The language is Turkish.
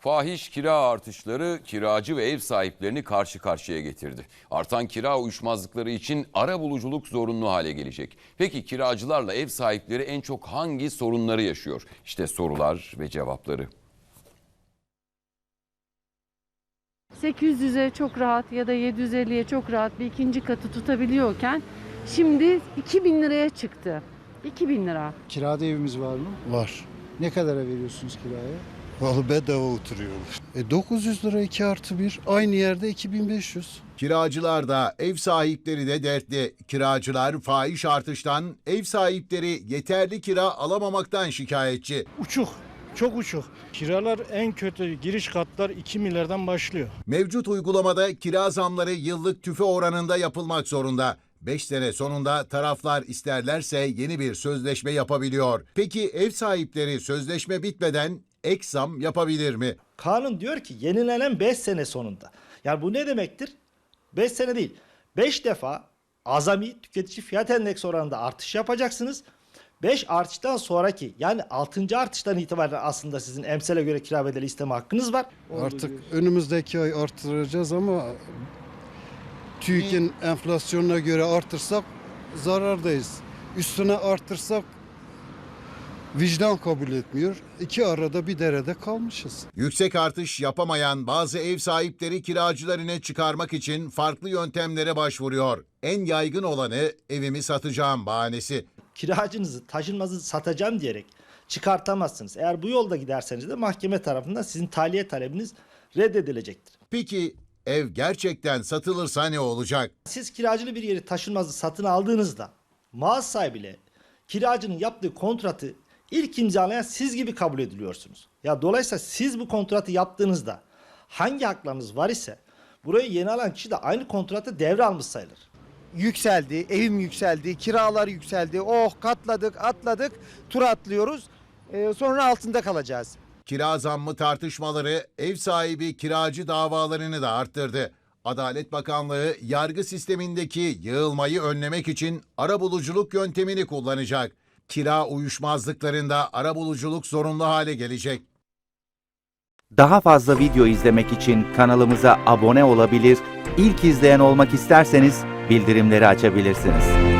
Fahiş kira artışları kiracı ve ev sahiplerini karşı karşıya getirdi. Artan kira uyuşmazlıkları için arabuluculuk zorunlu hale gelecek. Peki kiracılarla ev sahipleri en çok hangi sorunları yaşıyor? İşte sorular ve cevapları. 800'e çok rahat ya da 750'ye çok rahat bir ikinci katı tutabiliyorken şimdi 2000 liraya çıktı. 2000 lira. Kirada evimiz var mı? Var. Ne kadara veriyorsunuz kiraya? Vallahi bedava oturuyorlar. 900 lira 2+1. Aynı yerde 2500. Kiracılar da ev sahipleri de dertli. Kiracılar fahiş artıştan, ev sahipleri yeterli kira alamamaktan şikayetçi. Uçuk, çok uçuk. Kiralar en kötü giriş katlar 2 milyardan başlıyor. Mevcut uygulamada kira zamları yıllık tüfe oranında yapılmak zorunda. 5 sene sonunda taraflar isterlerse yeni bir sözleşme yapabiliyor. Peki ev sahipleri sözleşme bitmeden ek zam yapabilir mi? Kanun diyor ki yenilenen 5 sene sonunda. Yani bu ne demektir? 5 sene değil. 5 defa azami tüketici fiyat endeksi oranında artış yapacaksınız. 5 artıştan sonraki yani 6. artıştan itibaren aslında sizin emsale göre kira bedeli isteme hakkınız var. Artık önümüzdeki ay artıracağız ama TÜİK'in enflasyonuna göre artırsak zarardayız. Üstüne artırsak vicdan kabul etmiyor. İki arada bir derede kalmışız. Yüksek artış yapamayan bazı ev sahipleri kiracılarını çıkarmak için farklı yöntemlere başvuruyor. En yaygın olanı evimi satacağım bahanesi. Kiracınızı, taşınmazı satacağım diyerek çıkartamazsınız. Eğer bu yolda giderseniz de mahkeme tarafından sizin tahliye talebiniz reddedilecektir. Peki ev gerçekten satılırsa ne olacak? Siz kiracılı bir yeri taşınmazı satın aldığınızda mağaza sahibiyle kiracının yaptığı kontratı ilk imzalayan siz gibi kabul ediliyorsunuz. Ya dolayısıyla siz bu kontratı yaptığınızda hangi haklarınız var ise burayı yeni alan kişi de aynı kontratı devralmış sayılır. Yükseldi, evim yükseldi, kiralar yükseldi. Oh katladık, atladık, tur atlıyoruz. Sonra altında kalacağız. Kira zammı tartışmaları ev sahibi kiracı davalarını da arttırdı. Adalet Bakanlığı yargı sistemindeki yığılmayı önlemek için arabuluculuk yöntemini kullanacak. Kira uyuşmazlıklarında arabuluculuk zorunlu hale gelecek. Daha fazla video izlemek için kanalımıza abone olabilir, ilk izleyen olmak isterseniz bildirimleri açabilirsiniz.